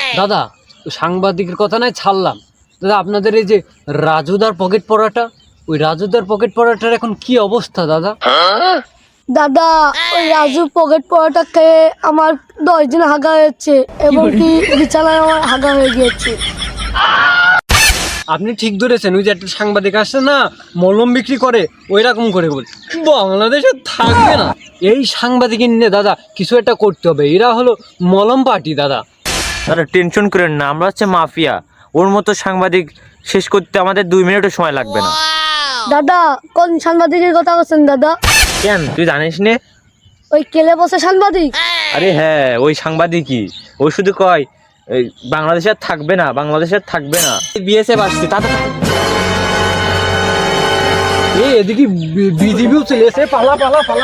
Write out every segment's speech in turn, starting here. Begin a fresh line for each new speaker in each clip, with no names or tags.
দাদা, সাংবাদিকের কথা নাই ছাড়লাম। দাদা, আপনাদের এই যে রাজুদার পকেট পড়াটা, ওই রাজুদার পকেট পড়াটার এখন কি অবস্থা দাদা?
দাদা, ওই রাজু পকেট পরোটা খেয়ে আমার 10 দিন হাগা হয়েছে এবং কি বিছানায় আমার হাগা হয়ে গিয়েছে।
আপনি ঠিক ধরেছেন, ওই যে একটা সাংবাদিক আসছে না, মলম বিক্রি করে, ওই রকম করে বল বাংলাদেশে থাকবে না। এই সাংবাদিক নিয়ে দাদা কিছু একটা করতে হবে, এরা হলো মলম পার্টি দাদা।
দাদা টেনশন করেন না, আমরা হচ্ছে মাফিয়া। ওর মতো সাংবাদিক শেষ করতে আমাদের 2 মিনিটও সময় লাগবে না।
দাদা, কোন সাংবাদিকের কথা বলছেন দাদা?
কেন তুই জানিস নে?
ওই কেলে বসে সাংবাদিক?
আরে হ্যাঁ, ওই সাংবাদিকই। ওই শুধু কয় এই বাংলাদেশে আর থাকবে না, বাংলাদেশে আর থাকবে না। বিএসএফ আসছে তাড়াতাড়ি।
এই এদিকে বিজিবিও চলে এসে, পালা পালা পালা।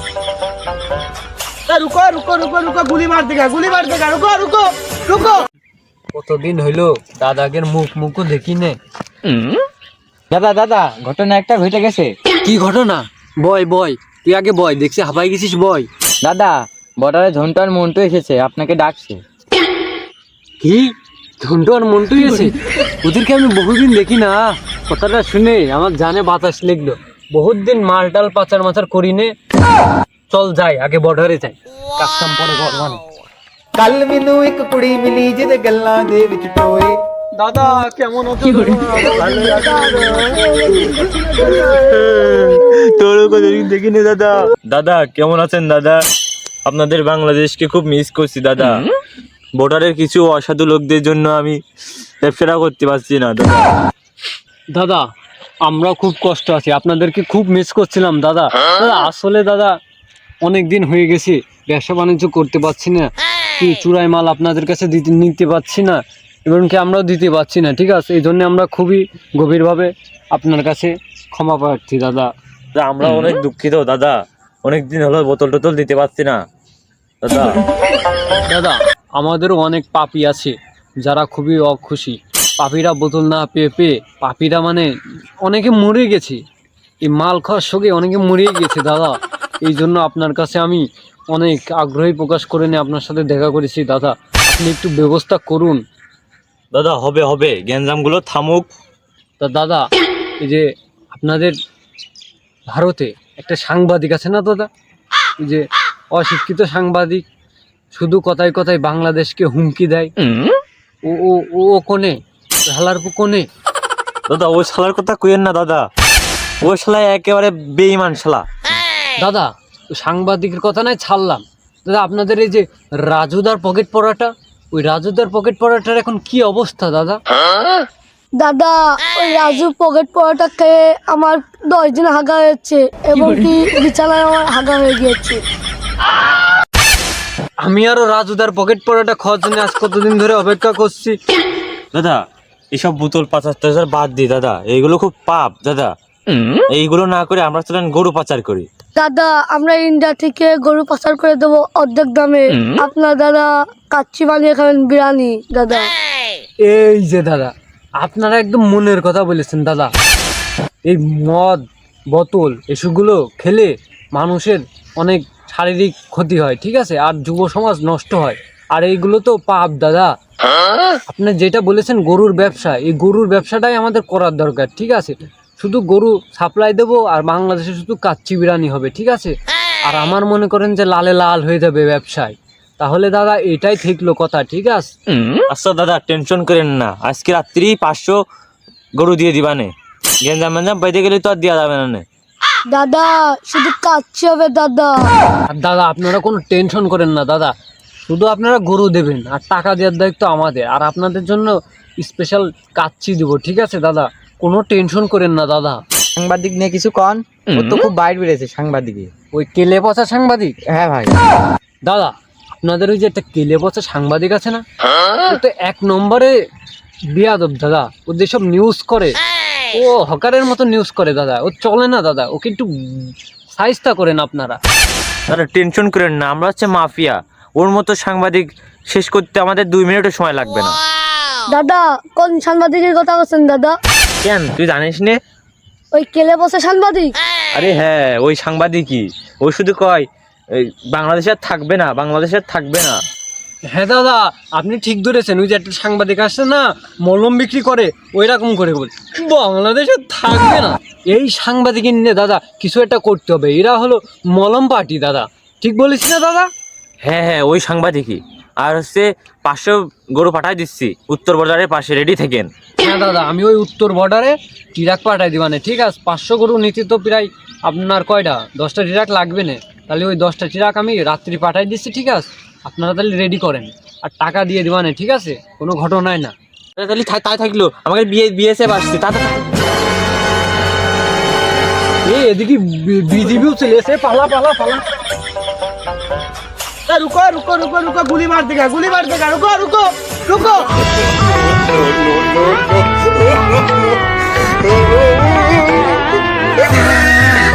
रुको रुको रुको रुको गुली मार देगा रुको रुको रुको।
কতদিন হইলো দাদাগের মুখও দেখি নে।
দাদা দাদা, ঘটনা একটা ঘটে গেছে।
কি ঘটনা? বয় বয়, তুই আগে বয়, দেখছি হাবাই গেছিস, বয়।
দাদা, বর্ডারে ঝন্টু আর মন্টু এসেছে, আপনাকে ডাকছে।
কি ঝন্টু আর মন্টু এসে? ওদেরকে আমি বহুদিন দেখি না। কথাটা শুনে আমার জানে বাতাস লেগলো। বহুত দিন মালটাল পাচার মাচার করি নে। চল যাই, আগে বর্ডারে যাই, কাজ কাম পরে করবান।
कल मैनू एक कुड़ी मिली जिहदे गल्लां दे विच टोए।
দাদা কেমন আছো?
তোরও কতদিন দেখিনি দাদা। দাদা কেমন আছেন দাদা? আপনাদের বাংলাদেশকে খুব মিস করছি দাদা। বর্ডারের কিছু অসাধু লোকদের জন্য আমি ব্যবসা করতে পারছি না দাদা।
দাদা, আমরা খুব কষ্ট আছি, আপনাদেরকে খুব মিস করছিলাম দাদা। দাদা আসলে দাদা অনেক দিন হয়ে গেছে, ব্যবসা বাণিজ্য করতে পারছি না, কি চুরাই মাল আপনাদের কাছে নিতে পারছি না, এমনকি আমরাও দিতে পারছি না। ঠিক আছে, এই জন্য আমরা খুবই গভীরভাবে আপনার কাছে ক্ষমা প্রার্থী দাদা।
দাদা, আমরা অনেক দুঃখিত দাদা। অনেক দিন হলো বোতল টোতল দিতে পারছি না দাদা।
দাদা, আমাদেরও অনেক পাপি আছে যারা খুবই অখুশি। পাপিরা বোতল না পেয়ে পেয়ে পাপিরা মানে অনেকে মরে গেছে, এই মাল খাওয়ার সঙ্গে অনেকে মরেই গেছে দাদা। এই জন্য আপনার কাছে আমি অনেক আগ্রহী প্রকাশ করে নিয়ে আপনার সাথে দেখা করেছি দাদা। আপনি একটু ব্যবস্থা করুন
দাদা হবে হবে, গ্যাঞ্জামগুলো থামুক।
তা দাদা, এই যে আপনাদের ভারতে একটা সাংবাদিক আছে না দাদা, এই যে অশিক্ষিত সাংবাদিক, শুধু কথায় কথায় বাংলাদেশকে হুমকি দেয়। ও ও ও কোনে হালার কোনে?
দাদা ওই শালার কথা কইেন না দাদা, ওই শালা একেবারে বেঈমান শালা।
দাদা, সাংবাদিকের কথা নাই ছাড়লাম। দাদা, আপনাদের এই যে রাজুদার পকেট পড়াটা, ওই রাজুদার পকেট পড়াটার এখন কি অবস্থা দাদা?
দাদা, ওই রাজু পকেট পরোটা খেয়ে আমার 10 দিন হাগা হয়েছে এবং কি বিছানায় আমার হাগা হয়ে গিয়েছে।
আমি আরো রাজুদার পকেট পড়াটা খাওয়ার জন্য আজ কতদিন ধরে অপেক্ষা করছি।
দাদা এসব বোতল পাচার টাচার বাদ দিই দাদা, এইগুলো খুব পাপ দাদা। এইগুলো না করে আমরা চলেন গরু পাচার করি।
দাদা, আমরা ইন্ডিয়া থেকে গরু পাচার করে দেবো অর্ধেক দামে। আপনার দাদা কাচ্চি বানিয়ে খাবেন বিরিয়ানি দাদা।
এই যে দাদা, আপনারা একদম মনের কথা বলেছেন দাদা। এই মদ বোতল এসবগুলো খেলে মানুষের অনেক শারীরিক ক্ষতি হয়, ঠিক আছে, আর যুব সমাজ নষ্ট হয়। আর এইগুলো তো পাপ দাদা। আপনি যেটা বলেছেন গরুর ব্যবসা, এই গরুর ব্যবসাটাই আমাদের করার দরকার, ঠিক আছে। শুধু গরু সাপ্লাই দেবো আর বাংলাদেশে শুধু কাচ্চি বিরিয়ানি হবে, ঠিক আছে। আর আমার মনে করেন যে লালে লাল হয়ে যাবে ব্যবসায়, তাহলে দাদা এটাই ঠিকলো কথা, ঠিক আছে।
আচ্ছা দাদা টেনশন করেন না, আজকে রাত্রি 500 গরু দিয়ে দিবানে। গেঞ্জাম মেঞ্জাম পাইতে গেলে তো আর দেওয়া যাবে না।
দাদা, শুধু কাচ্চি হবে দাদা।
আর দাদা আপনারা কোনো টেনশন করেন না দাদা, শুধু আপনারা গরু দেবেন আর টাকা দেওয়ার দায়িত্ব আমাদের, আর আপনাদের জন্য স্পেশাল কাচ্চি দিব, ঠিক আছে দাদা, কোনো টেনশন করেন না দাদা।
সাংবাদিক নিয়ে কিছু কন, ও তো খুব বাইর বেড়েছে সাংবাদিকে।
ওই কেলে পচা সাংবাদিক?
হ্যাঁ ভাই।
দাদা, আপনাদের ওই যে একটা কেলে পচা সাংবাদিক আছে না, ও তো 1 নম্বরে বিয়াদব দাদা। ও যেসব নিউজ করে, ও হকারের মতো নিউজ করে দাদা, ও চলে না দাদা, ওকে একটু সাইজটা করেন আপনারা।
দাদা টেনশন করেন না, আমরা হচ্ছে মাফিয়া। ওর মতো সাংবাদিক শেষ করতে আমাদের 2 মিনিটও সময় লাগবে না।
দাদা, কোন সাংবাদিকের কথা বলছেন দাদা?
কেন তুই জানিস নে?
ওই কেলে বসে সাংবাদিক?
আরে হ্যাঁ, ওই সাংবাদিকই। ওই শুধু কয় এই বাংলাদেশে আর থাকবে না, বাংলাদেশে আর থাকবে না।
হ্যাঁ দাদা, আপনি ঠিক ধরেছেন। ওই যে একটা সাংবাদিক আসছে না, মলম বিক্রি করে, ওই রকম করে বল বাংলাদেশে থাকবে না। এই সাংবাদিক নিয়ে দাদা কিছু একটা করতে হবে। এরা হলো মলম পার্টি দাদা, ঠিক বলেছি না দাদা?
হ্যাঁ হ্যাঁ, ওই সাংবাদিকই। আর হচ্ছে 500 গরু পাঠাই দিচ্ছি উত্তর বর্ডারের পাশে, রেডি থাকেন।
হ্যাঁ দাদা, আমি ওই উত্তর বর্ডারে ট্রাক পাঠাই দিবানে, ঠিক আছে? 500 গরু নিতে তো প্রায় আপনার কয়টা 10টা ট্রাক লাগবে না, তাহলে ওই 10টা ট্রাক আমি রাত্রি পাঠাই দিচ্ছি, ঠিক আছে? আপনারা তাহলে রেডি করেন আর টাকা দিয়ে দিবানে, ঠিক আছে? কোনো ঘটনাই না।
তাহলে তাই থাকলো, আমাকে বিএসএফ আসছে,
এদিকে বিজিবিও চলে এসে, পালা পালা পালা।
रुको रुको रुको रुको गोली मार देगा रुको रुको रुको